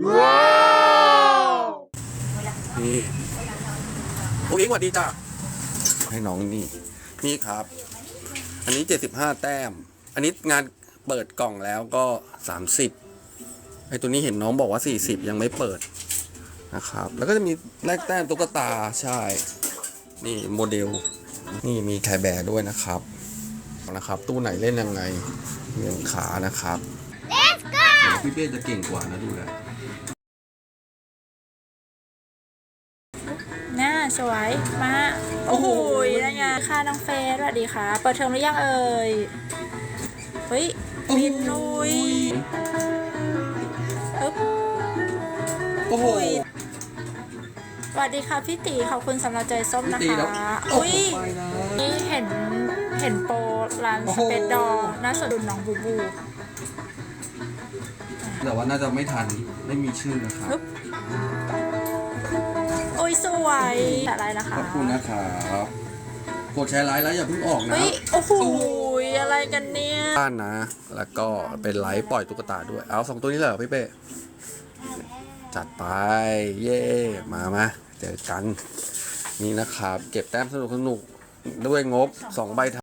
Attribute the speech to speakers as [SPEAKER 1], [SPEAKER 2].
[SPEAKER 1] ว้าวนี่พวกอิงสวัสดีจ้ะให้น้องนี่ครับอันนี้75แต้มอันนี้งานเปิดกล่องแล้วก็30ไอตัวนี้เห็นน้องบอกว่า40ยังไม่เปิดนะครับแล้วก็จะมีแลกแต้มตุ๊กตาใช่นี่โมเดลนี่มีแคร์แบร์ด้วยนะครับตู้ไหนเล่นยังไงเรียงขานะครับ Let's go พี่เป้จะเก่งกว่านะดูนะ
[SPEAKER 2] น่าสวยมาโอ้โหนั่นไงค่ะน้องเฟสสวัสดีค่ะเปิดเทอมหรือยังเอ่ยเฮ้ยบินลุยอึ๊บ
[SPEAKER 1] โอ้โห
[SPEAKER 2] สวัสดีค่ะพี่ตีขอบคุณสำหรับใจส้มนะ
[SPEAKER 1] พี่ตีครั
[SPEAKER 2] คะ
[SPEAKER 1] บ
[SPEAKER 2] อุ้ยนี่เห็นโปรร้านสเปซดอน่าสนดุนน้องบูบู
[SPEAKER 1] แต่ว่าน่าจะไม่ทันไม่มีชื่อนะครับ
[SPEAKER 2] โอ้ยสวยอะไรนะคะ
[SPEAKER 1] ขอบคุณนะครับกดแชร์ไลค์แล้วอย่าเพิ่งออกนะ
[SPEAKER 2] เฮ้ยโอ้โหอะไรกันเนี่ย
[SPEAKER 1] บ้านนะแล้วก็เป็นไลฟ์ปล่อยตุ๊กตาด้วยเอา2ตัวนี้เลยเหรอพี่เป้จัดไปเย่มาเจอกันนี่นะครับเก็บแต้มสนุกด้วยงบ2 ใบ